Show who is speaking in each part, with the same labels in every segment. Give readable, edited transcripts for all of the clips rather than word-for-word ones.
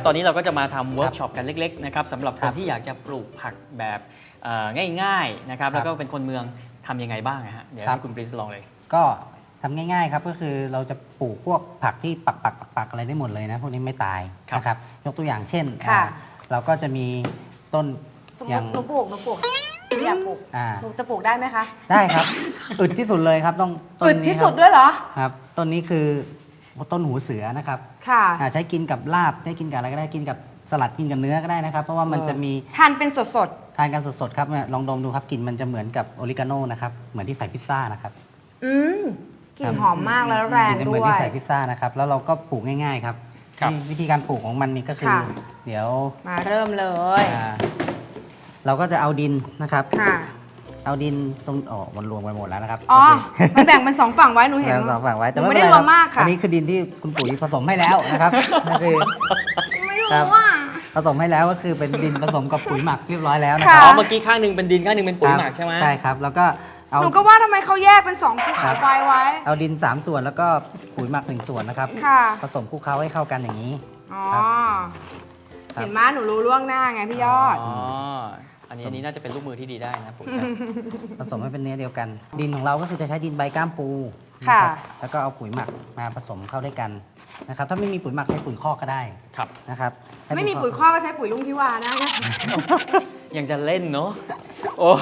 Speaker 1: ตอนนี้เราก็จะมาทำเวิร์กช็อปกันเล็กๆนะครับสำหรับคนที่อยากจะปลูกผักแบบง่ายๆนะครับแล้วก็เป็นคนเมืองทำยังไงบ้างฮะเดี๋ยวให้คุณปรินซ์ลองเลย
Speaker 2: ก็ทำง่ายๆครับก็คือเราจะปลูกพวกผักที่ปักอะไรได้หมดเลยนะพวกนี้ไม่ตายนะครับยกตัวอย่างเช่นเราก็จะมีต้น
Speaker 3: สมมติหนูปลูกหนูอยากปลูกหนูจะปลูกได้ไหมคะ
Speaker 2: ได้ครับอึดที่สุดเลยครับต้อง
Speaker 3: อึดที่สุดด้วยเหรอ
Speaker 2: ครับต้นนี้คือต้นหูเสือนะครับ
Speaker 3: ค่ะ
Speaker 2: ใช้กินกับลาบได้กินกับอะไรก็ได้กินกับสลัดกินกับเนื้อก็ได้นะครับเพราะว่ามันจะมี
Speaker 3: ทานเป็นสด
Speaker 2: ทานกันสดๆครับลองดมดูครับกลิ่นมันจะเหมือนกับออริกาโนนะครับเหมือนที่ใส่พิซซ่านะครับ
Speaker 3: กลิ่นหอมมากแล้วแรงด้วย
Speaker 2: เหมือนที่ใส่พิซซ่านะครับแล้วเราก็ปลูกง่ายๆครับวิธีการปลูกของมันนี่ก็คือเดี๋ยว
Speaker 3: มาเริ่มเลย
Speaker 2: เราก็จะเอาดินนะครับเอาดินตรงมันรวมไปหมดแล้วนะครับ
Speaker 3: มันแบ่งเป็น2ฝั่งไว้หนูเห็น
Speaker 2: 2ฝั่งไว้
Speaker 3: แต่ไม่ได้รวมมากค่ะ
Speaker 2: อันนี้คือดินที่คุณปุ๋ยผสมให้แล้วนะครับนั่นคือ
Speaker 3: ไม่รู้ว่า
Speaker 2: ผสมให้แล้วก็คือเป็นดินผสมกับปุ๋ยหมักเรียบร้อยแล้วนะครับ
Speaker 1: เมื่อกี้ข้างหนึ่งเป็นดินข้างหนึ่งเป็นปุ๋ยหมักใช่ไหม
Speaker 2: ใช่ครับแล้วก็
Speaker 3: หนูก็ว่าทำไมเขาแยกเป็น2ภูเขาไฟไว้
Speaker 2: เอาดิน3ส่วนแล้วก็ปุ๋ยหมัก1ส่วนนะครับผสมคลุกเคล้าให้เข้ากันอย่างนี้
Speaker 3: เห็นไหมหนูรู้ล่วงหน้าไงพี่ยอด
Speaker 1: อันนี้น่าจะเป็นลูกมือที่ดีได้นะปุ๋ย
Speaker 2: ผสมให้เป็นเนื้อเดียวกันดินของเราก็คือจะใช้ดินใบก้ามปูแล้วก็เอาปุ๋ยหมักมาผสมเข้าด้วยกันนะครับถ้าไม่มีปุ๋ยหมักใช้ปุ๋ยคอกก็ได้นะครับ
Speaker 3: ไม่มีปุ๋ยคอกก็ใช้ปุ๋ยลุงทิวานะ
Speaker 1: ยังจะเล่นเนาะโอ้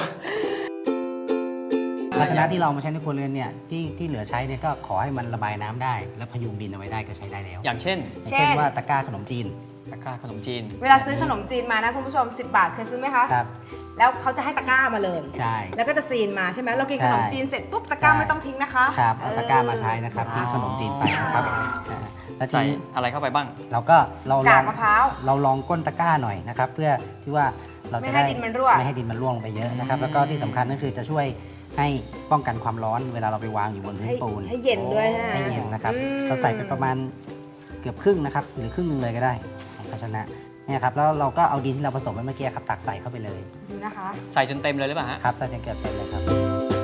Speaker 2: ภาชนะที่เรามาใช้ในครัวเรือนเนี่ยที่เหลือใช้เนี่ยก็ขอให้มันระบายน้ำได้และพยุงดินเอาไว้ได้ก็ใช้ได้แล้ว
Speaker 1: อย่างเช่น
Speaker 2: ว่าตะกร้าขนมจีน
Speaker 3: เวลาซื้อขนมจีนมานะคุณผู้ชม10 บาทเคยซื้อไหมคะ
Speaker 2: ครับ
Speaker 3: แล้วเขาจะให้ตะกร้ามาเลย
Speaker 2: ใช่
Speaker 3: แล้วก็จะซีนมาใช่ไหมเรากินขนมจีนเสร็จปุ๊บตะกร้าไม่ต้องทิ้งนะคะ
Speaker 2: ครับเอาตะกร้ามาใช้นะครับทิ้งขนมจีนไปนะครับ
Speaker 1: แล้วใส่อะไรเข้าไปบ้าง
Speaker 3: กากมะพร้าว
Speaker 2: เราลองก้นตะกร้าหน่อยนะครับเพื่อที่ว่าเราจะไม่ให้ดินมันร่วงไปเยอะนะครับแล้วก็ที่สำคัญก็คือจะช่วยให้ป้องกันความร้อนเวลาเราไปวางอยู่บนพื้นปูน
Speaker 3: ให้เย็นด้วย
Speaker 2: ให้เย็นนะครับเราใส่ไปประมาณเกือบครึ่งนะครับหรือครึ่งนึงเลยก็ได้ของภาชนะเนี่ยครับแล้วเราก็เอาดินที่เราผสมไว้เมื่อกี้ครับตักใส่เข้าไปเลย
Speaker 3: ดูนะคะ
Speaker 1: ใส่จนเต็มเลยหรือเปล่าฮะ
Speaker 2: ครับใส่จนเกือบเต็มเลยครับ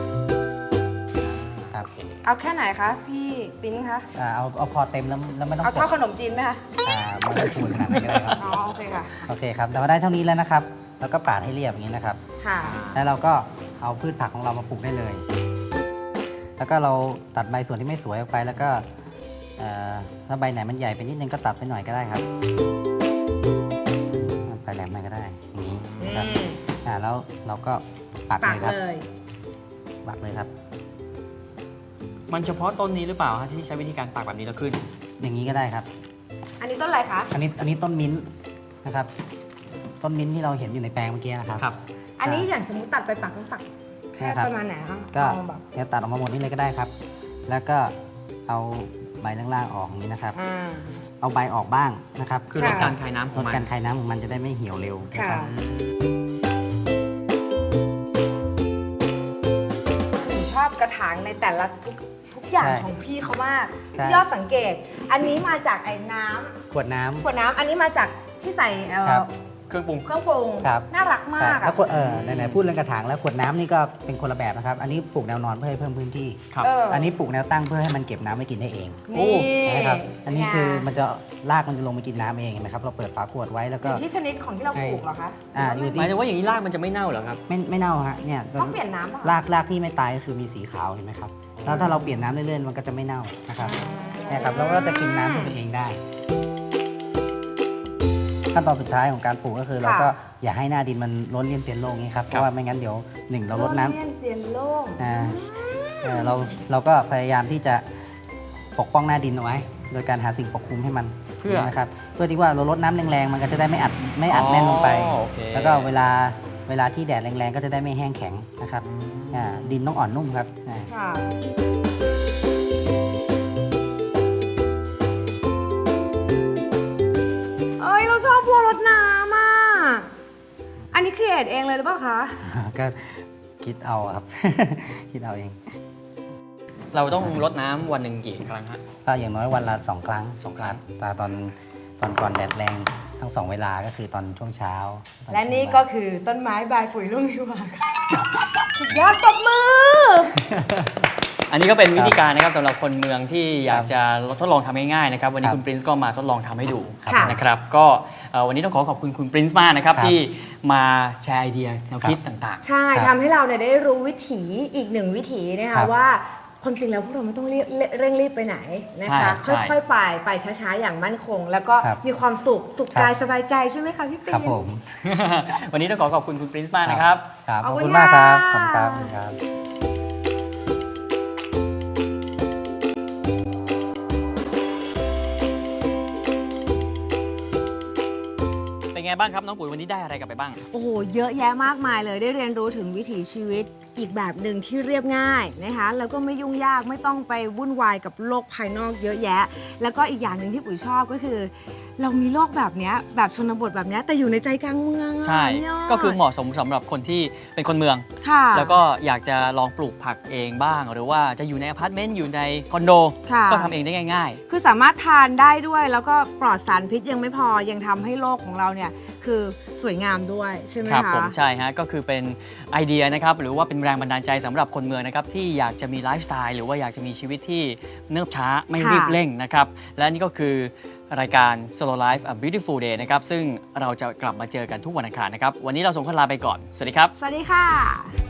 Speaker 3: เอาแค่ไหนคะพี่ปิ๊นคะ
Speaker 2: เอาพอเต็มแล้วไม่ต้อง
Speaker 3: เอาเท่าขนมจีนไหมคะ
Speaker 2: ไม่ต้องคูณขนาดนั้นก็ได้ครับ
Speaker 3: โอเคค่ะ
Speaker 2: โอเคครับแต่ว่าได้เท่านี้แล้วนะครับแล้วก็ปาดให้เรียบอย่างนี้นะครับแล้วเราก็เอาพืชผักของเรามาปลูกได้เลยแล้วก็เราตัดใบส่วนที่ไม่สวยออกไปแล้วก็ถ้าใบไหนมันใหญ่ไปนิดนึงก็ตัดไปหน่อยก็ได้ครับไปแหลมหน่อยก็ได้อย่างนี้นะครับแล้วเราก็ปักเลยครับปักเลยครับ
Speaker 1: มันเฉพาะต้นนี้หรือเปล่าที่ใช้วิธีการปักแบบนี้แล้วขึ้น
Speaker 2: อย่างนี้ก็ได้ครับ
Speaker 3: อันนี้ต้นอะไรคะ
Speaker 2: อันนี้ต้นมิ้นท์นะครับต้นมิ้นท์ที่เราเห็นอยู่ในแปลงเมื่อกี้นะครับ
Speaker 3: อันนี้อย่างสมมติตัดไปปักต้องปักแค่ประมาณไหนคะ
Speaker 2: ก็ตัดออกมาหมดนี่เลยก็ได้ครับแล้วก็เอาใบล่างๆออกอย่างนี้นะครับเอาใบออกบ้างนะครับ
Speaker 1: คือลดการคายน้ำของมัน
Speaker 2: มันจะได้ไม่เหี่ยวเร็วนะครับ
Speaker 3: ชอบกระถางในแต่ละทุกอย่างของพี่เขามากพี่ยอดสังเกตอันนี้มาจากไอ้น้ำ
Speaker 2: ขวดน้
Speaker 3: ำอันนี้มาจากที่ใส่
Speaker 1: เครื่องปรุง
Speaker 3: น่ารักมาก
Speaker 2: แล้วไหนพูดเรื่องกระถางแล้วขวดน้ำนี่ก็เป็นคนละแบบนะครับอันนี้ปลูกแนวนอนเพื่อให้เพิ่มพื้นที่อันนี้ปลูกแนวตั้งเพื่อให้มันเก็บน้ำไว้กินได้เองนะครับอันนี้คือมันจะรากมันจะลงไปกินน้ำเองเห็นไหมครับเราเปิดฝาขวดไว้แล้วก็
Speaker 3: ที่ชนิดของที่เราปลูกเหรอคะ
Speaker 1: หมายถึงว่าอย่างนี้รากมันจะไม่เน่าเหรอครับ
Speaker 2: ไม่เน่าฮะเนี่ย
Speaker 3: ต้องเปลี่ยนน้ำ
Speaker 2: รากที่ไม่ตายก็คือมีสีขาวเห็นไหมครับแล้วถ้าเราเปลี่ยนน้ำเรื่อยๆมันก็จะไม่เน่านะครับเนี่ยครับแล้วก็จะกินน้ำตัวเองได้ขั้นตอนสุดท้ายของการปลูกก็คือเราก็อย่าให้หน้าดินมันล้นเลี่ยนเตียนโล่งนี้ครับเพราะว่าไม่งั้นเดี๋ยวเราลดน้ำ
Speaker 3: เลี่ยนเตียนโล่ง
Speaker 2: เราก็พยายามที่จะปกป้องหน้าดินเอาไว้โดยการหาสิ่งปกคลุมให้มันนะครับเพื่อที่ว่าเราลดน้ำแรงๆมันก็จะได้ไม่อัดแน่นลงไปแล้วก็เวลาที่แดดแรงๆก็จะได้ไม่แห้งแข็งนะครับดินต้องอ่อนนุ่มครับ
Speaker 3: ชอบบัวรดน้ำอ่ะอันนี้ครีเอทเองเลยหรือเปล่าคะ
Speaker 2: ก็คิดเอาครับ คิดเอาเอง
Speaker 1: เราต้องรดน้ำวันหนึ่งกี่ครั้งฮะ
Speaker 2: ก็อย่างน้อยวันละ2 ครั้งแต่ตอนก่อนแดดแรงทั้ง2 เวลาก็คือตอนช่วงเช้า
Speaker 3: และนี่ก็คือต้นไม้บายปุ๋ยลุงทิวาสุดยอดตบมือ
Speaker 1: อันนี้ก็เป็นวิธีการนะครับสำหรับคนเมืองที่อยากจะทดลองทำง่ายๆนะครับวันนี้
Speaker 2: ครับ
Speaker 1: คุณปรินซ์ก็มาทดลองทำให้ดู
Speaker 3: ค่ะ
Speaker 1: นะครับก็วันนี้ต้องขอบคุณคุณปรินซ์มากนะครับ
Speaker 2: ครับ
Speaker 1: ที่มาแชร์ไอเดียแนวคิดต่าง
Speaker 3: ใช่
Speaker 2: ครับ
Speaker 3: ทำให้เราเนี่ยได้รู้วิถีอีกหนึ่งวิถีนะ
Speaker 2: ครั
Speaker 3: คะ
Speaker 2: บ
Speaker 3: ว่าความจริงแล้วพวกเราไม่ต้องเร่งรีบไปไหนนะคะ
Speaker 1: ใช่
Speaker 3: ค่อยๆไปช้าๆอย่างมั่นคง แล้วก็
Speaker 2: ครับ
Speaker 3: มีความสุข
Speaker 2: ครับ
Speaker 3: กายสบายใจใช่ไหมคะพี่ปิ่
Speaker 2: ครับ
Speaker 3: น
Speaker 2: ผม
Speaker 1: ๆ วันนี้ต้องขอบคุณคุณปรินซ์มากนะครับ
Speaker 2: ครับ
Speaker 3: ข
Speaker 2: ข
Speaker 3: อ
Speaker 2: อ
Speaker 3: บบ คุ
Speaker 2: คุณ ณมากครับ
Speaker 3: ค่ะ
Speaker 2: ขอบคุณครับขอบคุณครับ
Speaker 1: เป็นไงบ้างครับน้องปุ๋ยวันนี้ได้อะไรกลับไปบ้าง
Speaker 3: โอ้โห เยอะแยะมากมายเลยได้เรียนรู้ถึงวิถีชีวิตอีกแบบหนึ่งที่เรียบง่ายนะคะ แล้วก็ไม่ยุ่งยากไม่ต้องไปวุ่นวายกับโลกภายนอกเยอะแยะ แล้วก็อีกอย่างหนึ่งที่ปุ๋ยชอบก็คือ เรามีโลกแบบเนี้ยแบบชนบทแบบเนี้ยแต่อยู่ในใจกลางเมืองอะ
Speaker 1: ใช่
Speaker 3: ยด
Speaker 1: ก็คือเหมาะสมสำหรับคนที่เป็นคนเมือง
Speaker 3: ค่ะ
Speaker 1: แล้วก็อยากจะลองปลูกผักเองบ้าง หรือว่าจะอยู่ในอพาร์ตเมนต์อยู่ในคอนโด
Speaker 3: ค่ะ
Speaker 1: ก็ทำเองได้ง่าย
Speaker 3: คือสามารถทานได้ด้วยแล้วก็ปลอดสารพิษยังไม่พอยังทำให้โลกของเราเนี่ยคือสวยงามด้วยใช่ไหม
Speaker 1: ๆ ครับ
Speaker 3: คะ
Speaker 1: ผมใช่ฮะก็คือเป็นไอเดียนะครับหรือว่าเป็นแรงบันดาลใจสำหรับคนเมืองนะครับที่อยากจะมีไลฟ์สไตล์หรือว่าอยากจะมีชีวิตที่เนิบช้าไม่
Speaker 3: ค่ะ
Speaker 1: รีบเร่งนะครับและนี่ก็คือรายการ Solo Life A Beautiful Day นะครับซึ่งเราจะกลับมาเจอกันทุกวันอังคารนะครับวันนี้เราส่งคนลาไปก่อนสวัสดีครับ
Speaker 3: สวัสดีค่ะ